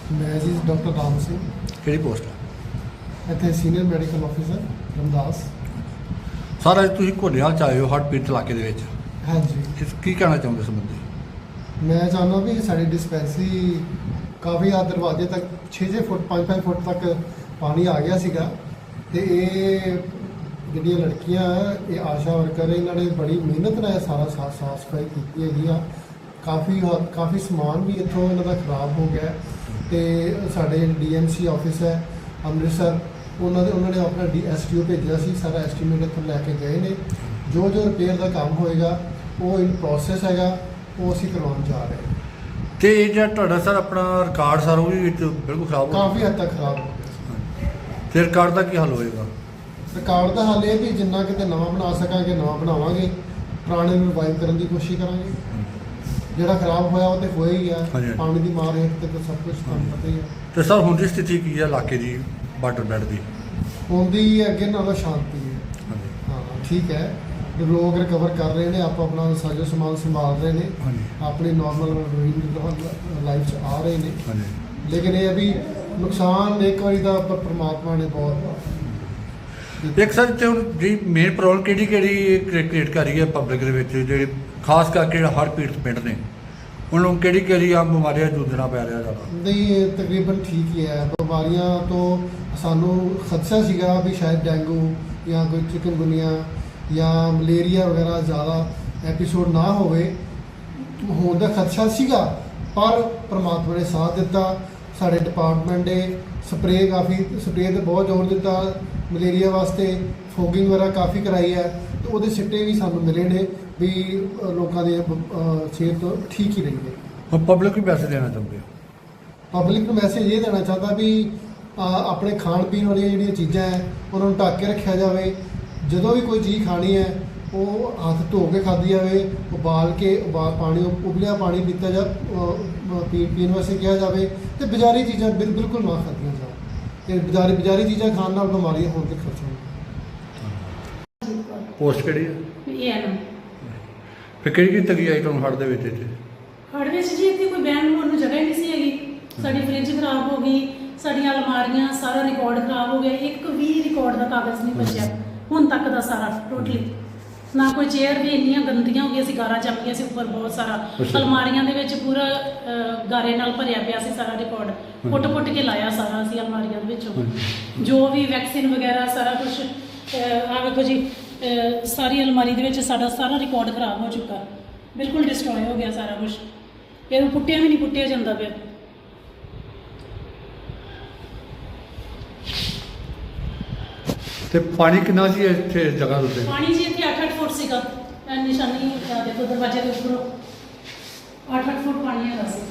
मैं जी डॉक्टर राम सिंह ਕਿਹੜੀ ਪੋਸਟ ਹੈ? ਇੱਥੇ senior medical officer Ramdas. Sir ਅੱਜ ਤੁਸੀਂ ਘੋੜੇਵਾਲ ਚ ਆਏ ਹੋ ਹੜ੍ਹ ਪੀੜਤ ਇਲਾਕੇ ਦੇ ਵਿੱਚ, ਹਾਂਜੀ, ਇਸ ਕੀ ਕਹਿਣਾ ਚਾਹੁੰਦੇ ਇਸ ਸੰਬੰਧੀ? ਮੈਂ ਚਾਹੁੰਦਾ ਵੀ ਸਾਡੀ ਡਿਸਪੈਂਸਰੀ ਕਾਫੀ ਆ ਦਰਵਾਜ਼ੇ ਤੱਕ 6-6 ਫੁੱਟ 5-5 ਫੁੱਟ ਤੱਕ ਪਾਣੀ ਆ ਗਿਆ ਸੀਗਾ ਤੇ ਇਹ ਜਿਹੜੀਆਂ ਲੜਕੀਆਂ ਇਹ ਆਸ਼ਾ ਵਰਕਰ ਇਹਨਾਂ ਨੇ ਬੜੀ ਮਿਹਨਤ ਨਾਲ ਸਾਰਾ ਸਾਫ ਸਫਾਈ ਕੀਤੀ ਹੈਗੀ ਆ। ਕਾਫੀ ਸਮਾਨ ਵੀ ਇੱਥੋਂ ਇਹਨਾਂ ਦਾ ਖਰਾਬ ਹੋ ਗਿਆ ਤੇ ਸਾਡੇ ਡੀਐਮਸੀ ਆਫਿਸ ਹੈ ਅੰਮ੍ਰਿਤਸਰ ਉਹਨਾਂ ਨੇ ਆਪਣਾ ਐਸਟੀਓ ਭੇਜਿਆ ਸੀ, ਸਾਰਾ ਐਸਟੀਮੇਟ ਇੱਥੋਂ ਲੈ ਕੇ ਗਏ ਨੇ। ਜੋ ਰਿਪੇਅਰ ਦਾ ਕੰਮ ਹੋਏਗਾ ਉਹ ਇਨ ਪ੍ਰੋਸੈਸ ਹੈਗਾ, ਉਹ ਅਸੀਂ ਕਰਵਾਉਣ ਜਾ ਰਹੇ ਹਾਂ। ਤੇ ਇਹ ਜਿਹੜਾ ਤੁਹਾਡਾ ਸਰ ਆਪਣਾ ਰਿਕਾਰਡ ਸਰ ਉਹ ਵੀ ਵਿੱਚ ਬਿਲਕੁਲ ਖਰਾਬ ਹੋ ਕਾਫੀ ਹੱਦ ਤੱਕ ਖਰਾਬ ਹੋ ਗਿਆ। ਤੇ ਰਿਕਾਰਡ ਦਾ ਕੀ ਹੱਲ ਹੋਏਗਾ? ਰਿਕਾਰਡ ਦਾ ਹੱਲ ਇਹ ਵੀ ਜਿੰਨਾ ਕਿਤੇ ਨਵਾਂ ਬਣਾ ਸਕਾਂਗੇ ਨਵਾਂ ਬਣਾਵਾਂਗੇ, ਪੁਰਾਣੇ ਨੂੰ ਰਿਵਾਈਵ ਕਰਨ ਦੀ ਕੋਸ਼ਿਸ਼ ਕਰਾਂਗੇ। ਜਿਹੜਾ ਖਰਾਬ ਹੋਇਆ ਉਹ ਤੇ ਹੋਇਆ ਹੀ ਆ, ਹਾਂਜੀ। ਪਾਣੀ ਦੀ ਮਾਰ ਹੇਠ ਤੇ ਤਾਂ ਸਭ ਕੁਝ ਤੁਹਾਨੂੰ ਪਤਾ ਹੀ ਆ। ਤੇ ਸਰ ਹੁਣ ਦੀ ਸਥਿਤੀ ਕੀ ਹੈ ਇਲਾਕੇ ਦੀ ਵਾਟਰ ਬੈਡ ਦੀ? ਹੁੰਦੀ ਅੱਗੇ ਨਾਲੋਂ ਸ਼ਾਂਤੀ ਹੈ। ਹਾਂਜੀ ਹਾਂ ਠੀਕ ਹੈ, ਲੋਕ ਰਿਕਵਰ ਕਰ ਰਹੇ ਨੇ, ਆਪਣਾ ਸਾਜੋ ਸਮਾਨ ਸੰਭਾਲ ਰਹੇ ਨੇ, ਹਾਂਜੀ ਆਪਣੀ ਨਾਰਮਲ ਲਾਈਫ 'ਚ ਆ ਰਹੇ ਨੇ। ਹਾਂਜੀ। ਲੇਕਿਨ ਇਹ ਹੈ ਵੀ ਨੁਕਸਾਨ ਇੱਕ ਵਾਰੀ ਦਾ ਪਰਮਾਤਮਾ ਨੇ ਬਹੁਤ ਇੱਕ ਸਰ ਤੇ ਹੁਣ ਜੀ ਮੇਨ ਪ੍ਰੋਬਲਮ ਕਿਹੜੀ ਕ੍ਰੀਏਟ ਕਰ ਰਹੀ ਹੈ ਪਬਲਿਕ ਦੇ ਵਿੱਚ, ਜਿਹੜੇ ਖਾਸ ਕਰਕੇ ਜਿਹੜਾ ਹੜ੍ਹ ਪੀੜਤ ਪਿੰਡ ਨੇ ਉਹਨਾਂ ਨੂੰ ਕਿਹੜੀ ਆਮ ਬਿਮਾਰੀਆਂ ਜੂਝਣਾ ਪੈ ਰਿਹਾ ਜ਼ਿਆਦਾ? ਨਹੀਂ, ਇਹ ਤਕਰੀਬਨ ਠੀਕ ਹੀ ਹੈ। ਬਿਮਾਰੀਆਂ ਤੋਂ ਸਾਨੂੰ ਖਦਸ਼ਾ ਸੀਗਾ ਵੀ ਸ਼ਾਇਦ ਡੈਂਗੂ ਜਾਂ ਕੋਈ ਚਿਕਨਗੁਨੀਆ ਜਾਂ ਮਲੇਰੀਆ ਵਗੈਰਾ ਜ਼ਿਆਦਾ ਐਪੀਸੋਡ ਨਾ ਹੋਵੇ, ਹੋਣ ਦਾ ਖਦਸ਼ਾ ਸੀਗਾ, ਪਰ ਪਰਮਾਤਮਾ ਨੇ ਸਾਥ ਦਿੱਤਾ। ਸਾਡੇ ਡਿਪਾਰਟਮੈਂਟ ਨੇ ਸਪਰੇਅ ਤੇ ਬਹੁਤ ਜ਼ੋਰ ਦਿੱਤਾ ਮਲੇਰੀਆ ਵਾਸਤੇ, ਫੋਗਿੰਗ ਵਗੈਰਾ ਕਾਫੀ ਕਰਾਈ ਹੈ ਤੇ ਉਹਦੇ ਸਿੱਟੇ ਵੀ ਸਾਨੂੰ ਮਿਲੇ ਨੇ ਵੀ ਲੋਕਾਂ ਦੇ ਸਿਹਤ ਠੀਕ ਹੀ ਰਹੀ ਹੈ। ਹੁਣ ਪਬਲਿਕ ਨੂੰ ਮੈਸੇਜ ਦੇਣਾ ਚਾਹੁੰਦੇ ਹੋ? ਪਬਲਿਕ ਨੂੰ ਮੈਸੇਜ ਇਹ ਦੇਣਾ ਚਾਹੁੰਦਾ ਵੀ ਆਪਣੇ ਖਾਣ ਪੀਣ ਵਾਲੀਆਂ ਜਿਹੜੀਆਂ ਚੀਜ਼ਾਂ ਹੈ ਉਹਨਾਂ ਨੂੰ ਢੱਕ ਕੇ ਰੱਖਿਆ ਜਾਵੇ। ਜਦੋਂ ਵੀ ਕੋਈ ਚੀਜ਼ ਖਾਣੀ ਹੈ ਉਹ ਹੱਥ ਧੋ ਕੇ ਖਾਧੀ ਜਾਵੇ, ਉਬਾਲ ਪਾਣੀ ਉਬਲਿਆ ਪਾਣੀ ਪੀਤਾ ਪੀਣ ਵਾਸਤੇ ਕਿਹਾ ਜਾਵੇ ਤੇ ਬਾਜ਼ਾਰੀ ਚੀਜ਼ਾਂ ਬਿਲਕੁਲ ਨਾ ਖਾਧੀਆਂ ਜਾਣ। ਤੇ ਬਾਜ਼ਾਰੀ ਚੀਜ਼ਾਂ ਖਾਣ ਨਾਲ ਬਿਮਾਰੀਆਂ ਹੋਣ ਦੇ ਖਤਰੇ ਨੇ। ਪੋਸਟ ਕਿਹੜੀ ਹੈ? ਇਹ ਹੈ ਨਾ ਫਿਰ ਕਿਹੜੀ ਤਗੀ ਆਈ ਤੁਹਾਨੂੰ ਹੜ੍ਹ ਦੇ ਵਿੱਚ ਇੱਥੇ? ਹੜ੍ਹ ਵਿੱਚ ਜੀ ਇੱਥੇ ਕੋਈ ਬਹਿਣ ਨੂੰ ਜਗ੍ਹਾ ਹੀ ਨਹੀਂ ਸੀ ਹੈਗੀ। ਸਾਡੀ ਫ੍ਰਿਜ ਖਰਾਬ ਹੋ ਗਈ, ਸਾਡੀਆਂ ਅਲਮਾਰੀਆਂ, ਸਾਰਾ ਰਿਕਾਰਡ ਖਰਾਬ ਹੋ ਗਿਆ। ਇੱਕ ਵੀ ਰਿਕਾਰਡ ਦਾ ਕਾਗਜ਼ ਨਹੀਂ ਬਚਿਆ ਹੁਣ ਤੱਕ ਦਾ ਸਾਰਾ ਟੋਟਲੀ। ਨਾ ਕੋਈ ਚੇਅਰ ਵੀ ਇੰਨੀਆਂ ਗੰਦੀਆਂ ਹੋ ਗਈਆਂ ਸੀ, ਗਾਰਾ ਜੰਮ ਗਿਆ ਸੀ ਉੱਪਰ ਬਹੁਤ ਸਾਰਾ। ਅਲਮਾਰੀਆਂ ਦੇ ਵਿੱਚ ਪੂਰਾ ਗਾਰੇ ਨਾਲ ਭਰਿਆ ਪਿਆ ਸੀ ਸਾਰਾ ਰਿਕਾਰਡ, ਪੁੱਟ ਕੇ ਲਾਇਆ ਸਾਰਾ ਅਸੀਂ ਅਲਮਾਰੀਆਂ ਦੇ ਵਿੱਚੋਂ। ਜੋ ਵੀ ਵੈਕਸੀਨ ਵਗੈਰਾ ਸਾਰਾ ਕੁਝ ਆ ਵੇਖੋ ਜੀ, ਸਾਰੀ ਅਲਮਾਰੀ ਦੇ ਵਿੱਚ ਸਾਡਾ ਸਾਰਾ ਰਿਕਾਰਡ ਖਰਾਬ ਹੋ ਚੁੱਕਾ, ਬਿਲਕੁਲ ਡਿਸਟਰੋਏ ਹੋ ਗਿਆ ਸਾਰਾ ਕੁਝ। ਇਹਨੂੰ ਪੁੱਟਿਆ ਵੀ ਨਹੀਂ ਪੁੱਟਿਆ ਜਾਂਦਾ ਪਿਆ। ਤੇ ਪਾਣੀ ਕਿੰਨਾ ਸੀ ਇੱਥੇ ਇਸ ਜਗ੍ਹਾ ਦੇ ਉੱਤੇ? ਪਾਣੀ ਜੀ ਇੱਥੇ 8-8 ਫੁੱਟ ਸੀਗਾ। ਨਿਸ਼ਾਨੀ ਦੇਖੋ ਦਰਵਾਜ਼ੇ ਦੇ ਉੱਪਰੋਂ 8-8 ਫੁੱਟ ਪਾਣੀ ਹੈਗਾ ਸੀ।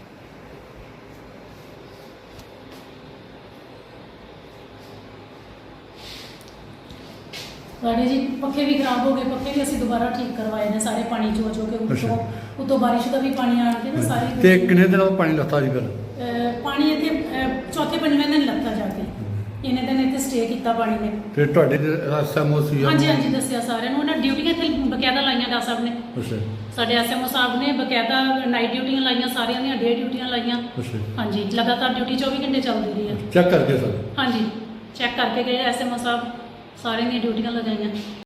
ਸਾਡੇ ਜੀ ਪੱਖੇ ਵੀ ਖਰਾਬ ਹੋ ਗਏ, ਪੱਖੇ ਵੀ ਅਸੀਂ ਦੁਬਾਰਾ ਠੀਕ ਕਰਵਾਏ ਨੇ ਸਾਰੇ, ਪਾਣੀ ਚੋ ਕੇ ਉੱਤੋਂ ਬਾਰਿਸ਼ ਦਾ ਵੀ ਪਾਣੀ ਆਣ ਕੇ ਨਾ ਸਾਰੀ। ਤੇ ਕਿੰਨੇ ਦਿਨਾਂ ਤੋਂ ਪਾਣੀ ਲੱਥਾ ਜੀ ਫਿਰ? ਪਾਣੀ ਇੱਥੇ ਚੌਥੇ ਪੰਜਵੇਂ ਦਿਨ ਲੱਥਾ ਜਾ ਕੇ, ਇਹਨੇ ਦਿਨ ਇੱਥੇ ਸਟੇ ਕੀਤਾ ਪਾਣੀ ਨੇ। ਤੇ ਤੁਹਾਡੇ ਐਸਐਮਓ ਸੀ? ਹਾਂਜੀ ਦੱਸਿਆ ਸਾਰਿਆਂ ਨੂੰ। ਉਹਨਾਂ ਡਿਊਟੀਆਂ ਇੱਥੇ ਬਕਾਇਦਾ ਲਾਈਆਂ ਡਾ ਸਾਹਿਬ ਨੇ। ਅੱਛਾ। ਸਾਡੇ ਐਸਐਮਓ ਸਾਹਿਬ ਨੇ ਬਕਾਇਦਾ ਨਾਈਟ ਡਿਊਟੀਆਂ ਲਾਈਆਂ, ਸਾਰਿਆਂ ਦੀਆਂ ਡੇ ਡਿਊਟੀਆਂ ਲਾਈਆਂ। ਅੱਛਾ। ਹਾਂਜੀ, ਲਗਾਤਾਰ ਡਿਊਟੀ 24 ਘੰਟੇ ਚੱਲਦੀ ਰਹੀ ਹੈ। ਚੈੱਕ ਕਰਕੇ ਸਰ? ਹਾਂਜੀ, ਚੈੱਕ ਕਰਕੇ ਗਏ ਐਸਐਮਓ ਸਾਹਿਬ, ਸਾਰਿਆਂ ਦੀਆਂ ਡਿਊਟੀਆਂ ਲਗਾਈਆਂ।